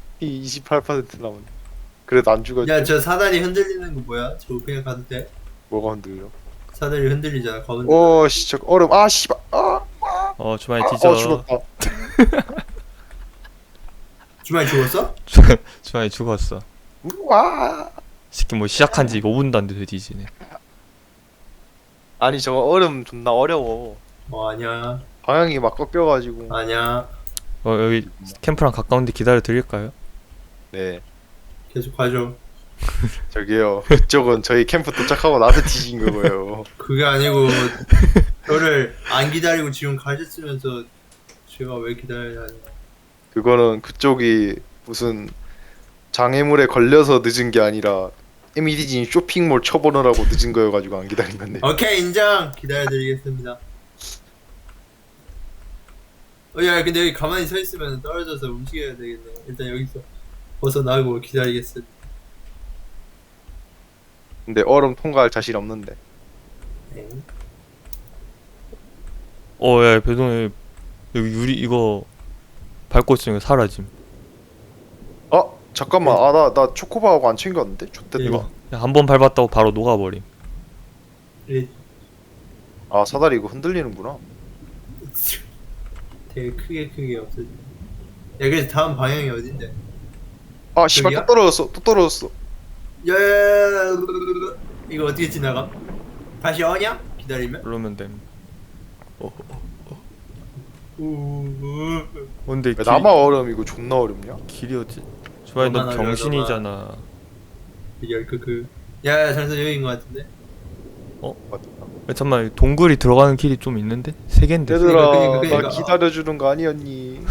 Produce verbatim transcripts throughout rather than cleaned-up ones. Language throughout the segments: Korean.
이 이십팔 퍼센트 남았네. 그래도 안 죽었지. 야 저 사다리 흔들리는 거 뭐야? 저거 그냥 가도 돼? 뭐가 흔들려? 사다리 흔들리잖아. 가면 오, 씨, 저 얼음. 아, 씨발. 아, 어 주말에 아, 뒤져. 어, 죽었다. 주말에 죽었어? 주말에 죽었어. 와. 새끼 뭐 시작한 지 오 분도 안 돼서 뒤지네. 아니, 저거 얼음 존나 어려워. 어 아니야 방향이 막 꺾여가지고. 아니야 어 여기 캠프랑 가까운데 기다려 드릴까요? 네. 계속 가죠. 저기요. 그쪽은 저희 캠프 도착하고 나서 뒤진 거고요. 그게 아니고 저를 안 기다리고 지금 가셨으면서 제가 왜 기다려야 하냐. 그거는 그쪽이 무슨 장애물에 걸려서 늦은 게 아니라 에미디진 쇼핑몰 쳐보느라고 늦은 거여가지고 안 기다린 건데. 오케이 인정. 기다려드리겠습니다. 어, 야 근데 여기 가만히 서 있으면 떨어져서 움직여야 되겠네. 일단 여기서 벗어나고 기다리겠습니다. 근데 얼음 통과할 자신 없는데. 네. 어야 배동에 여기 유리 이거 밟고 있으니까 사라짐. 아 잠깐만. 아 나 나 초코바하고 안 챙겼는데. 좋댔다. 이거. 한 번 밟았다고 바로 녹아버림. 이- 아 사다리 이거 흔들리는구나. 되게 크게 크게 없어져. 야 그래서 다음 방향이 어딘데? 아 씨발 여기야? 또 떨어졌어. 또 떨어졌어. 야 이거 어떻게 지나가? 다시 어냐? 기다리면? 그러면 됨. 어, 우우우. 근데 왜 길, 나만 얼음 이거 존나 어렵냐? 길이 어지? 주말에 너 너만 병신이잖아. 열크크. 야 장선 여기인 것 같은데? 맞다. 야, 잠깐만 동굴이 들어가는 길이 좀 있는데? 세 갠데? 얘들아 그러니까, 그러니까. 나 기다려주는 거 아니었니?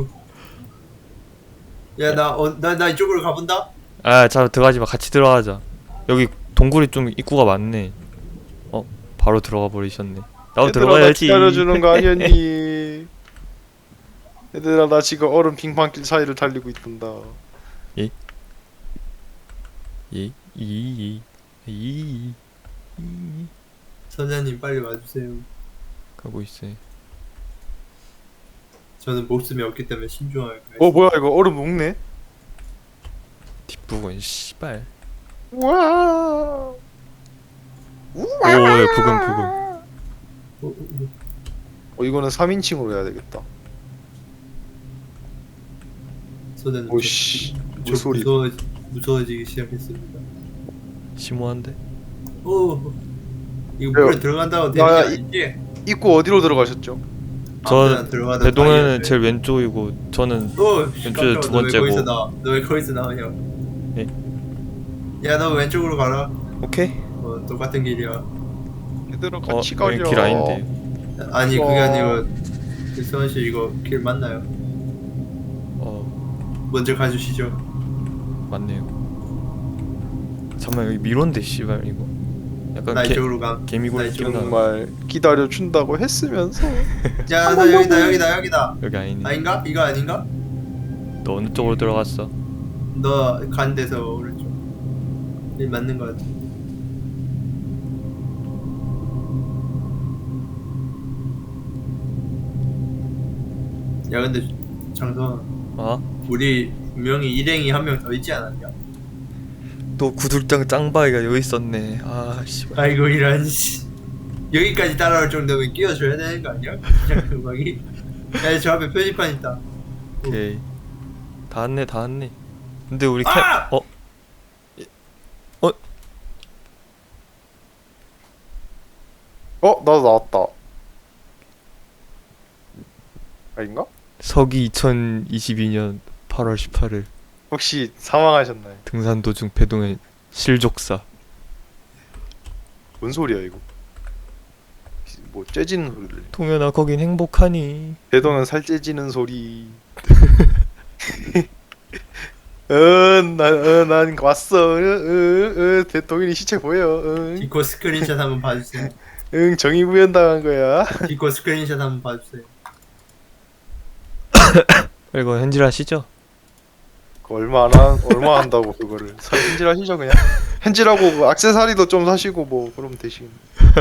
야 나 어 나 나 이쪽으로 가본다. 아, 자 들어가지 마. 같이 들어가자. 여기 동굴이 좀 입구가 많네. 어, 바로 들어가 버리셨네. 나도 얘들아 나 들어가야지. 기다려주는 거 아니었니? 얘들아 나 지금 얼음 빙판길 사이를 달리고 있단다. 이, 이, 이, 이, 이, 선장님 빨리 와주세요. 가고 있어. 저는 목숨이 없기 때문에 신중하게. 어 뭐야 이거 얼음 녹네? 뒷부분 씨발. 우와. 오, 예, 부금 부금. 어, 어, 어. 어 이거는 삼인칭으로 해야 되겠다. 소대는 오씨 저 무소리. 무서워 무서워지기 시작했습니다. 심오한데? 오 이거 왜요? 물에 들어간다고 되는 게 야, 이- 아니지? 입구 어디로 들어가셨죠? 아무데나 저 들어가도 배동현은 다이어트. 제일 왼쪽이고 저는 오, 왼쪽에 깜짝아, 두 너 왜 번째고. 거기서 나와? 너 왜 거기서 나오냐? 예? 야, 너 왼쪽으로 가라. 오케이. 어, 똑같은 길이야. 얘들아 어, 같이 가자. 여기 길 아닌데. 아니, 그게 와. 아니고 그 수원 씨 이거 길 맞나요? 어, 먼저 가주시죠. 맞네요. 잠깐만 여기 미로인데 씨발 이거. 약간 나 개, 이쪽으로 가. 개미굴 나 이쪽으로 끼어나. 정말 기다려 준다고 했으면서 야, 나 여기다, 여기다, 여기다. 여기 아니네. 아닌가? 이거 아닌가? 너 어느 쪽으로 들어갔어? 너 간 데서 오른쪽. 이 맞는 거 같아. 야, 근데 장선, 어? 우리 분명히 일행이 한 명 더 있지 않았냐? 또 구들장 짱바위가 여기 있었네. 아 씨발. 아이고 이런 씨. 여기까지 따라올 정도면 끼워줘야 되는 거 아니야? 그냥 음악이. 야저 앞에 표지판 있다. 오케이. 다 왔네 다 왔네. 근데 우리 캠 아! 어? 어? 어 나도 나왔다. 아닌가? 서기 이천이십이 년 팔월 십팔일 혹시 사망하셨나요? 등산 도중 배동의 실족사. 뭔 소리야 이거? 뭐 째지는 소리를. 동현아 거긴 행복하니? 대동은 살 째지는 소리. 응난난 왔어. 응응 대동인이 시체 보여. 응, 디코 스크린샷 한번 봐주세요. 응 정의 구현 당한 거야. 디코 스크린샷 한번 봐주세요. 이거 현질하시죠? 그거 얼마 안 한, 얼마 한다고 그거를. 현질하시죠 그냥. 현질하고 그 액세서리도 좀 사시고 뭐 그러면 되시겠네.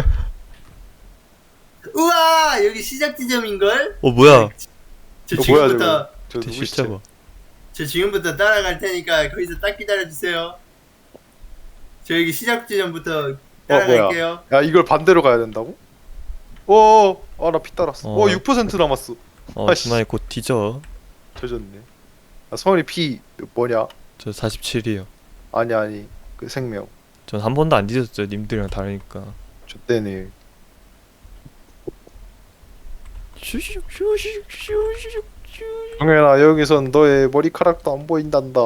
우와 여기 시작 지점인걸? 어 뭐야? 저 이거 뭐야, 지금부터 저 제 누구 십자 시체? 봐. 저 지금부터 따라갈 테니까 거기서 딱 기다려주세요. 저 여기 시작 지점부터 따라갈게요. 야 이걸 반대로 가야 된다고? 어, 아 나 피 따랐어. 어. 어, 육 퍼센트 남았어. 어 아씨. 주말에 곧 뒤져. 젖었네. 아 성원이 피 뭐냐? 저 사십칠이요. 아니 아니 그 생명. 전 한 번도 안 뒤졌죠. 님들이랑 다르니까. 젖대네. 슈슉 슈슉 슈슉 슈. 정현아 여기선 너의 머리카락도 안 보인단다.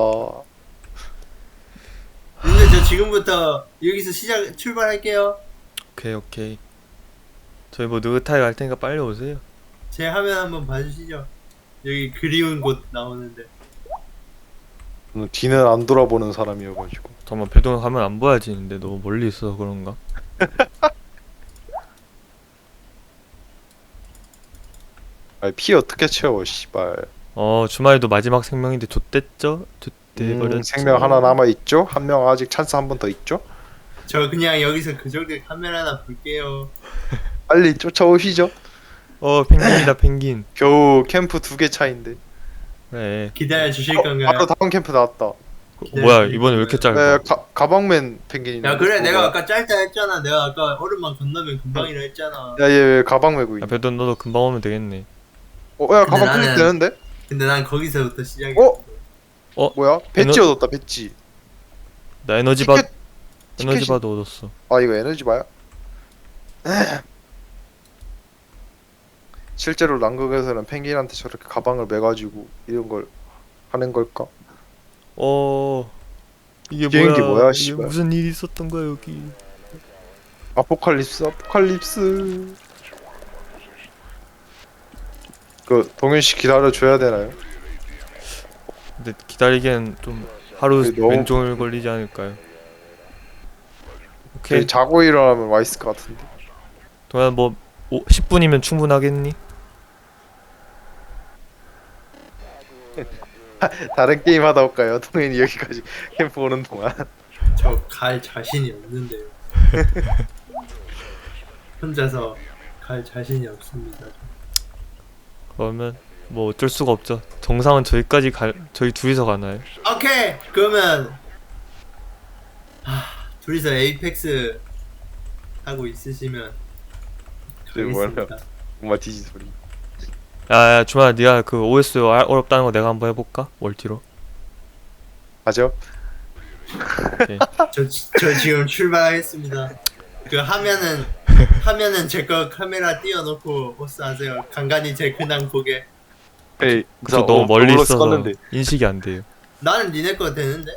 근데 저 지금부터 여기서 시작 출발할게요. 오케이 오케이. 저희 뭐 느긋하게 갈 테니까 빨리 오세요. 제 화면 한번 봐주시죠. 여기 그리운 곳 나오는데. 저는 뒤는 안 돌아보는 사람이어가지고. 잠깐만 배동 가면 안 보여야지. 근데 너무 멀리 있어서 그런가? 아 피 어떻게 채워 씨발. 어 주말에도 마지막 생명인데 좆됐죠? 좆돼 버렸죠. 음, 생명 하나 남아 있죠? 한 명 아직 찬스 한 번 더 있죠? 저 그냥 여기서 그 정도 카메라 하나 볼게요. 빨리 쫓아오시죠. 어 펭귄이다 펭귄. 겨우 캠프 두 개 차인데. 그래. 기다려 주실 어, 건가요? 바로 다음 캠프 나왔다. 어, 뭐야 이번에 왜 이렇게 짧아? 네, 가, 가방맨 펭귄이네. 야 그래 내가 뭐야? 아까 짧다 했잖아. 내가 아까 얼음만 건너면 금방이라 했잖아. 야, 얘 왜 가방 메고 야 있냐? 배동 너도 금방 오면 되겠네. 어, 야, 근데 가방 클릭 나는- 되는데? 근데 난 거기서부터 시작이. 어? 어? 뭐야? 배지 에너- 얻었다, 배지. 나 에너지 바 티켓, 에너지 티켓이- 바도 얻었어. 아, 이거 에너지 바야? 실제로 남극에서는 펭귄한테 저렇게 가방을 매가지고 이런 걸 하는 걸까? 어 이게 비행기 뭐야? 뭐야, 이게 씨발. 무슨 일이 있었던 거야 여기? 아포칼립스, 아포칼립스. 그 동현 씨 기다려 줘야 되나요? 근데 기다리기엔 좀 하루 그게 너무- 왼종일 걸리지 않을까요? 오케이. 그 자고 일어나면 와 있을 것 같은데. 동현 뭐 오, 십 분이면 충분하겠니? 다른 게임 하다 올까요? 동현이 여기까지 캠프 오는 동안. 저 갈 자신이 없는데요. 혼자서 갈 자신이 없습니다. 그러면 뭐 어쩔 수가 없죠. 정상은 저희까지 갈 저희 둘이서 가나요? 오케이 그러면 하, 둘이서 에이펙스 하고 있으시면 저기 뭐야? 알겠습니다. 엄마 디지 소리. 야야 주말아 네가 그 오에스 알- 어렵다는 거 내가 한번 해볼까? 멀티로. 가죠? 오케이. 저, 지- 저 지금 출발하겠습니다. 그 하면은 하면은 제 거 카메라 띄워놓고 호스하세요. 간간히 제 근황 보게. 에이, 그쪽 너무 어, 멀리 오블록스 있어서 껐는데. 인식이 안 돼요. 나는 니네 거 되는데?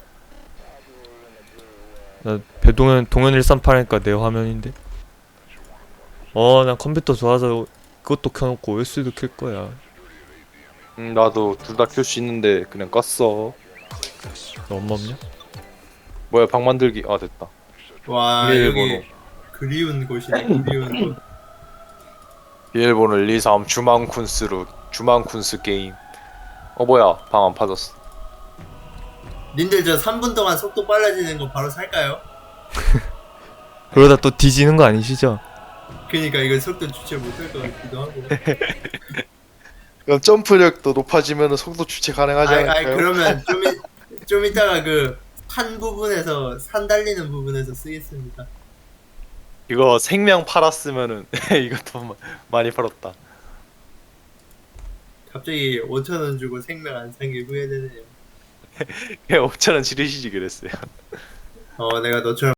나 배동현 동현 일삼팔이니까 내 화면인데. 어, 난 컴퓨터 좋아서 그것도 켜놓고 오에스도 켤 거야. 음, 나도 둘 다 켤 수 있는데 그냥 껐어. 너 엄마 없냐? 뭐야, 방 만들기. 아, 됐다. 와 비밀번호. 여기 그리운 곳이네. 그리운 곳. 비밀번호 일, 이, 삼 주만쿤스로 주만쿤스 게임. 어 뭐야, 방 안 파졌어. 님들 저 삼 분 동안 속도 빨라지는 거 바로 살까요? 그러다 또 뒤지는 거 아니시죠? 그니까 이거 속도 주체 못할 것 같기도 하고. 그럼 점프력도 높아지면 속도 주체 가능하지 아이, 아이 않을까요? 그러면 좀, 이, 좀 이따가 그 산 부분에서 산 달리는 부분에서 쓰겠습니다. 이거 생명 팔았으면은 이것도 마- 많이 팔았다. 갑자기 오천 원 주고 생명 안 산 게 후회되네요. 그냥 오천 원 지르시지 그랬어요. 어 내가 너처럼